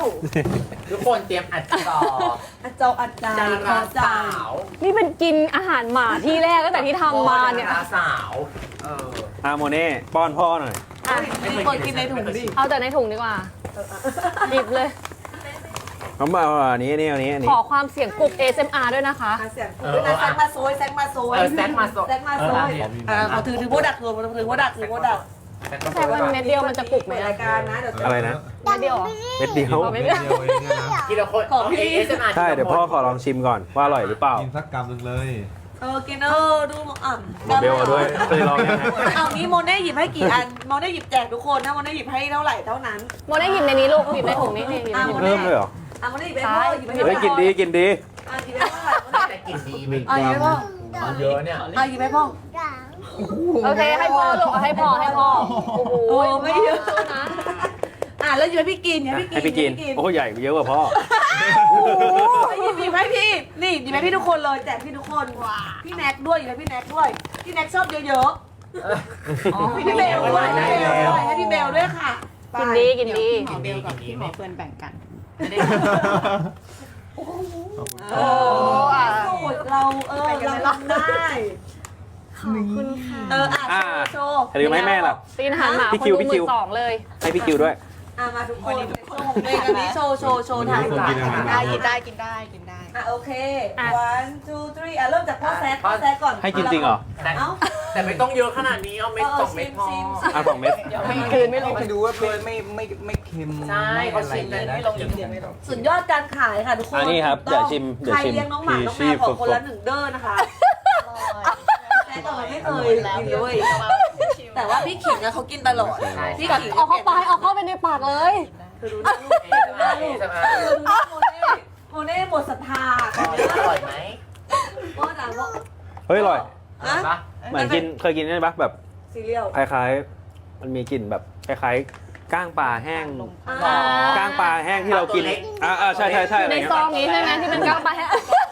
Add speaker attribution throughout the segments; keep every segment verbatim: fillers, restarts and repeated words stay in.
Speaker 1: ทุกคนเตรียมอัดจอ
Speaker 2: อัดจออัดใจ
Speaker 1: ดา
Speaker 2: ข
Speaker 1: รา
Speaker 2: อใจ
Speaker 1: สาว
Speaker 3: นี่เป็นกินอาหารหมาที่แรกตั้งแต่ที่ทำมาเนี่ย
Speaker 1: ดาราสาวเออ
Speaker 4: อาโมเน่ป้อนพ่อหน่อย
Speaker 3: อ่ะ
Speaker 1: ไม่เคย
Speaker 2: เปิดกินในถุงดิ
Speaker 3: เอาแต่ในถุงดีกว่าหยิบเลย
Speaker 4: น้องมาอันนี้อันนี้อันนี้อัน
Speaker 3: ข
Speaker 4: นี้
Speaker 3: อความเสียงปลุก เอ เอส เอ็ม อาร์ ด้วยนะคะ
Speaker 2: เสียงคุณนะแซงมาโซยแซงมาโซย
Speaker 1: เออแซกมาโซ
Speaker 2: แซงมาโซยเออเขาถือถือโบดักถือถือโบดักถือโบดัก
Speaker 3: แค่ว่าเม็ดเดียวมันจะปลุกไหม
Speaker 2: รายการนะเดี๋ยว
Speaker 4: อะไรนะ
Speaker 3: เม็ดเดียวเหรอ
Speaker 4: เม็ดเดียว
Speaker 3: เอาไม่ได้
Speaker 5: เดียวเองเนี่ยนะ
Speaker 1: ทีละคนของเอเอสเอ็มอาร์
Speaker 4: ใช่เดี๋ยวพ่อขอลองชิมก่อนว่าอร่อยหรือเปล่า
Speaker 5: กินสักกำหนึ่งเลย
Speaker 2: เออกินเออดูอ่ะ
Speaker 4: เบลเอาด้วยเคยลองยังไง
Speaker 2: เอานี้โมเน่หยิบให้กี่อันโมเน่หยิบแจกทุกคนนะโมเน่หยิบให้เท่าไหร่เท่านั้น
Speaker 3: โมได้หยิบในนี้ลูกหยิบในถุงนี้นี่หยิบในถุง
Speaker 4: เพิ่มเลยเหรอ
Speaker 2: อ่ะโมเน่หยิบให้พ่อหยิบให้พ่อ
Speaker 4: เฮ้ยกินดีกินดี
Speaker 2: อ่ะหยิบให้พ่อโมเน่
Speaker 1: แต่กลิ่นดีไหม
Speaker 2: อ่ะหยิบให้พ่อ
Speaker 1: เยอะเนี่ย
Speaker 2: อ่ะหยิบให้พ่อ
Speaker 3: โอเคให้พ่อลูกเอาให้พ่อให้พ่อโอ้โห
Speaker 2: โอ้ไม่เยอะ
Speaker 3: นะ
Speaker 2: อ่ะแล้วหยิบให้พี่กินหยิบให้
Speaker 4: ให้
Speaker 2: พี่
Speaker 4: พี่
Speaker 2: กิ
Speaker 4: กิ
Speaker 2: น
Speaker 4: นโอ้ใหญ่เยอะกว่าพ่อ
Speaker 2: หยิบหยิบให้พี่นี่หยิบให้พี่ทุกคนเลยแจกพี่ทุกคนพี่แน็กด้วยหยิบให้พี่แน็กด้วยพี่แน็กชอบเยอะๆพี่เบลด้วยพี่เบลด้วยให้พี่เบลด้วยค่ะ
Speaker 3: กินดีกินดี
Speaker 1: กินดีกินดีไม่
Speaker 6: เพื่อนแบ่งกัน
Speaker 1: ไม่ได้
Speaker 2: โอ้
Speaker 3: โอ้อ่ะ
Speaker 2: สูตรเราเออเราทำได้
Speaker 3: ขอบคุณค่ะ
Speaker 2: เอออ่ะโชว์โชว์
Speaker 4: หรือไม่แม่ล่ะ
Speaker 3: ตีนอาหารหมา
Speaker 4: พี่
Speaker 3: คน
Speaker 4: คิว
Speaker 3: ดู
Speaker 4: พี่
Speaker 3: ห
Speaker 4: คิ
Speaker 3: มื่
Speaker 4: ว
Speaker 3: นสองเลย
Speaker 4: ให้พี่คิวด้วย
Speaker 2: อ่ะมาทุกคนโชว์ของตัวเองอันนี้โชว์โชว์โชว์ถ่าย
Speaker 5: คนกินอาหาร
Speaker 6: ได้กินได้กินได้กินได้
Speaker 2: อ่ะโอเค one two three อ่ะเริ่มจากพ่อแซกพ่อแซกก่อน
Speaker 4: ให้กินจริงเหรอ
Speaker 1: แต่
Speaker 2: เอ้า
Speaker 1: แต่ไม่ต้องเยอะขนาดนี้เอาเม็ดสองเม็ดพอ
Speaker 4: อ่ะสองเม็ด
Speaker 3: ไม่คืนไม่ลง
Speaker 7: ให้ดูว่าไม่ไม่ไม่ไม่เค็ม
Speaker 1: ใช่เขาชิมกันไม่ลงอย่างเดียวไม่ลง
Speaker 2: สุดยอดการขายค่ะทุกคน
Speaker 4: อันนี้ครับเดี๋ยวชิมเดี๋ยว
Speaker 2: ใคร
Speaker 4: ชิม
Speaker 2: เลี้ยงน้องหมาน้องแมวขอคนละหนึ่งเด้อนะคะแซกก่อนไม่เคยกินเลยแต่ว่าพี่ขิงอะเขากินตลอดพี่ขิง
Speaker 3: เอาเข้าไปเอาเข้าไปในปากเลย
Speaker 2: คือดูหน้าลูก
Speaker 1: เอสเอ็มอาร์เอสเอ็มอาร์
Speaker 2: คือดูหน้าโมเน่โมเน่หมดศรัทธา
Speaker 1: อร่อยไหม
Speaker 2: พ่อจ๋าบอก
Speaker 4: เฮ้ยอร่อย
Speaker 1: อร่อยปะ
Speaker 4: เหมือนกินเคยกินใช่ปะแบบ
Speaker 2: ซีเรียล
Speaker 4: คล้ายๆ มันมีกลิ่นแบบคล้ายๆก้างปลาแห้ง
Speaker 2: อ่า
Speaker 4: ก้างปลาแห้งที่เรากินอ่าอ่าใช่ใช่ใช่
Speaker 3: อยู่ในซองนี้ใช่ไหมที่เป็นก้าวไปฮะ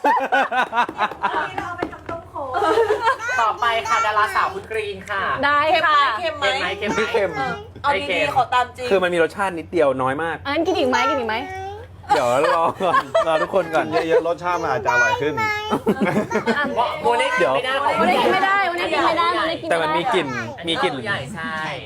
Speaker 2: เราไปทำต้มโข
Speaker 1: ต่อไปค่ะดาราสาวคุณกรีนค่ะ
Speaker 3: ได้
Speaker 2: เค็มไหม
Speaker 3: ค่ะ
Speaker 2: เค็มไหม
Speaker 1: เค็มไหมเค็มไหม
Speaker 4: ไม่เค็ม
Speaker 2: เอาดีๆขอตามจริง
Speaker 4: คือมันมีรสชาตินิดเดียวน้อยมาก
Speaker 3: อันนั้นกินอีกไหมกินอีกไหม
Speaker 4: เดี๋ยวรอก่อนรอทุกคนก่อน
Speaker 5: เยอะๆรสชาติมันอาจจะอร่อยขึ้น
Speaker 1: โมเน่กินไม่ได้ของ
Speaker 3: วันนี้กินไม่ได้วันนี้กินไม่ได้วันนี้กิน
Speaker 4: แต่มันมีกลิ่นมีกลิ่น
Speaker 1: ใหญ่ใช่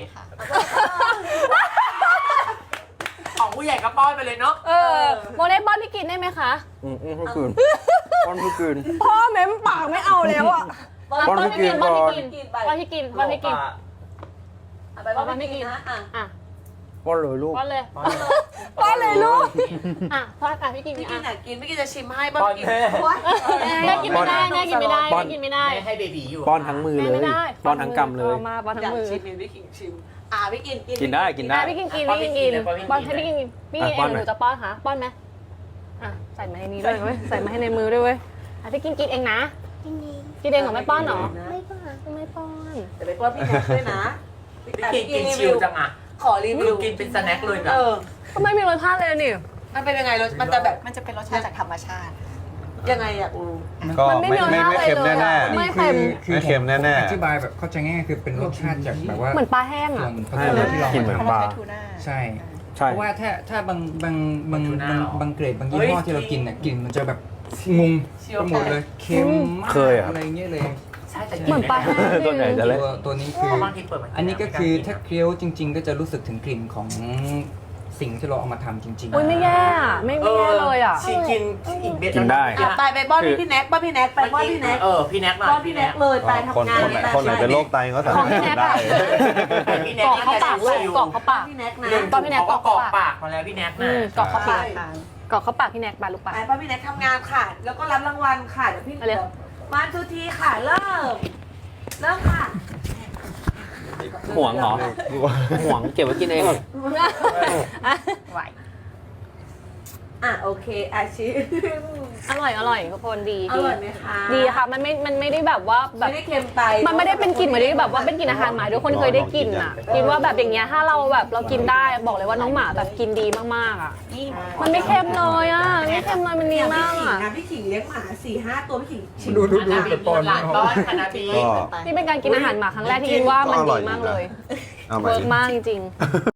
Speaker 1: ของผู้ใหญ่ก็ป้อนไปเลยเนาะ
Speaker 3: เออโมเน่ป้อนพี่กินได้ไหมคะ
Speaker 4: อืมอืมทุกคืนป้อนทุกคืน
Speaker 3: พ่อเม้มปากไม่เอาแล้วอ่ะ
Speaker 4: ป้อนพี่กิน
Speaker 3: ป้อน
Speaker 4: ก่อน
Speaker 3: พี่กินป้อนพี่กินป้อนพี่กิน
Speaker 2: เอาไปว่าไม่กินนะอ่ะ
Speaker 3: อ่ะ
Speaker 4: ป้อนเลยลูก
Speaker 3: ป้อนเลยป้อนเลยลูกอ่ะป้อนอ่ะพี่กิน
Speaker 2: พี่กิ
Speaker 3: อ่ะ
Speaker 2: นอยากกินพี่กินจะชิมให้บ้างกิน
Speaker 3: แม่กินไม่ได้แม่กินไม่ได้
Speaker 4: ป้อน
Speaker 3: แม่กินไม่ได้
Speaker 1: ไม่ให้เบบีอยู่
Speaker 4: ป้อนทั้งมือ
Speaker 3: แม่
Speaker 4: เลย
Speaker 3: ไม่ได้
Speaker 4: ป้อนทั้งกำเลย
Speaker 3: อามาป้อน
Speaker 2: อ
Speaker 3: ทั้
Speaker 2: ยาง ก
Speaker 3: มือ
Speaker 2: ชิมพี่กินชิมอ่ะพี่กินกิน
Speaker 4: กินได้กินได้
Speaker 3: อ่ะพี่กินกินพี่กินกินป้อนให้พี่กินกินพี่กินเองหนูจะป้อนค่ะป้อนไหมอ่ะใส่มาในนี้ด้วยเว้ยใส่มาให้ในมือด้วยเว้ยอ่ะพี่กินกินเองนะกินเองเหรอไม่ป้อนเหรอไม่ป้อนไม่ป้อน
Speaker 2: แต่ไปป้อนพี่แน็กด้วยนะ
Speaker 1: พี่กินกินชิวจังอ่ะ
Speaker 2: ขอรีวิ
Speaker 1: ดู
Speaker 2: ว
Speaker 1: กินเป็นสแน็คเลยแบบ
Speaker 2: เออ
Speaker 3: ก็ไม่มีรสชาติเลยนี่
Speaker 2: มันเป็นยังไงรสมันจะแบบ
Speaker 6: มันจะเป็นรสชาติจากธรรมชาติ
Speaker 2: ยังไงอ่ะอู
Speaker 5: ก็
Speaker 3: มันไม่
Speaker 5: ไม่
Speaker 3: มี
Speaker 5: ไม่ไม่เค็ม
Speaker 3: รสชาติเลย
Speaker 5: แน่
Speaker 3: อะ
Speaker 5: ๆ
Speaker 3: ไม่เค็ม
Speaker 5: ไม่เค็มแน่ๆ
Speaker 7: อธิบายแบบเข้าใจง่ายๆคือเป็นรสชาติจากแบบว่า
Speaker 3: เหมือนปลาแห้ง
Speaker 7: ส่ว
Speaker 3: อ่ะ
Speaker 7: นผสมที่เรา
Speaker 4: กินเหมือนปลา
Speaker 6: ทูน่า
Speaker 7: ใช่
Speaker 4: ใช่
Speaker 7: เพราะว่าถ้าถ้าบางบางบางบางบางเกรดบางยี่ห้อที่เรากินเนี่ยกลิ่นมันจะแบบงงไปหมดเลยเค็มมาก
Speaker 4: เคยอะ
Speaker 7: อะไรเงี้ยเลย
Speaker 1: ใช่แต่
Speaker 3: เหมือนปลาแห้ง
Speaker 4: ตัวไหนจะ
Speaker 7: ตั
Speaker 4: เละ
Speaker 7: วตัวนี้คือ
Speaker 1: บางทีเปิดมัน
Speaker 7: อันนี้ก็คือถ้าเคี้ยวจริง ๆ ก็จะรู้สึกถึงกลิ่นของสิ่งที่เราเอามาทำจริงๆ
Speaker 3: อุ้ยไม่แย่อะไม่ไม่แย่เลยอ่ะ
Speaker 1: ชิกินอีกเบ็ด
Speaker 4: กินได้
Speaker 2: อ่ะไปไปป้อนพี่แน็กป้อนพี่แน็กไปป้อนพี่แน็ก
Speaker 1: เออพี่แน็กหน่อย
Speaker 2: ป้อนพี่แน็กเลยไป
Speaker 5: คน
Speaker 2: ทำงาน
Speaker 5: คนไหนคนไหนเป็นโรคไตก็สา
Speaker 3: ขอ
Speaker 5: มาง รถ
Speaker 3: พี่แน็ก
Speaker 5: ได้
Speaker 3: อะ
Speaker 1: พี่แน็
Speaker 3: ก
Speaker 1: ก
Speaker 3: รอกเข้าปากลูกกรอกเข้าปาก
Speaker 2: พี่แน็กนะ
Speaker 1: หนึ่ง
Speaker 3: ป้อนพี่แน็ก
Speaker 1: เขาก็
Speaker 3: ก
Speaker 1: ก
Speaker 3: ร
Speaker 1: ร
Speaker 3: อ
Speaker 1: อก ก
Speaker 3: ปา
Speaker 1: ปาก กมาแล้วพี่แน็ก
Speaker 3: อื
Speaker 1: นะ
Speaker 3: มกรอกเข้าปาก
Speaker 2: ใช่
Speaker 3: กรอกเข้าปากพี่แน็กปลาลูกปลา
Speaker 2: ไปป้อนพี่แน็กทำงานค่ะ แล้วก็รับรางวัลค่ะเดี๋ยวพี่
Speaker 3: เอาเลย
Speaker 2: มาทุกทีค่ะเริ่มเริ่มค่ะ
Speaker 4: ห่วงเหรอห่วงเก็บไว้กินเอง
Speaker 6: ไหว
Speaker 2: อ่ะโอเคอาชีพ
Speaker 3: อร่อยอร่อยทุกคนดี
Speaker 2: อร่อยไหมคะ
Speaker 3: ดีค่ะมันไม่มันไม่ได้แบบว่าแบ
Speaker 2: ไม่
Speaker 3: บ
Speaker 2: ได้เค็มไป
Speaker 3: มันไม่ได้เป็นกลิ่นเหมือนที่แบบว่าเป็นกลิ่นอาหารหมาทุกคนเคยได้กลิ่นอ่ะกินว่าแบบอย่างเงี้ยถ้าเราแบบเรากินได้บอกเลยว่าน้องหมาแบบกินดีมากๆอ่ะ
Speaker 2: นี่
Speaker 3: มันไม่เค็มเลยอ่ะไม่เค็มเลยมันเนียน
Speaker 2: พี่
Speaker 3: มาก
Speaker 2: ขิง
Speaker 3: อ่ะ
Speaker 2: นะพี่ขิงเลี้ยงหมาสี่ห้าตัวพี่ขิงชิม
Speaker 7: ดูดู
Speaker 1: ค
Speaker 7: ดู
Speaker 1: ณะบี
Speaker 7: ปอน
Speaker 1: หลานก้อนคณะบี
Speaker 5: ก็
Speaker 3: นี่เป็นการกินอาหารหมาครั้งแรกที่คิดว่ามันดีมากเลย
Speaker 5: เอามา
Speaker 3: เวิร์
Speaker 5: อี
Speaker 3: ก
Speaker 5: ก
Speaker 3: มากจริงๆ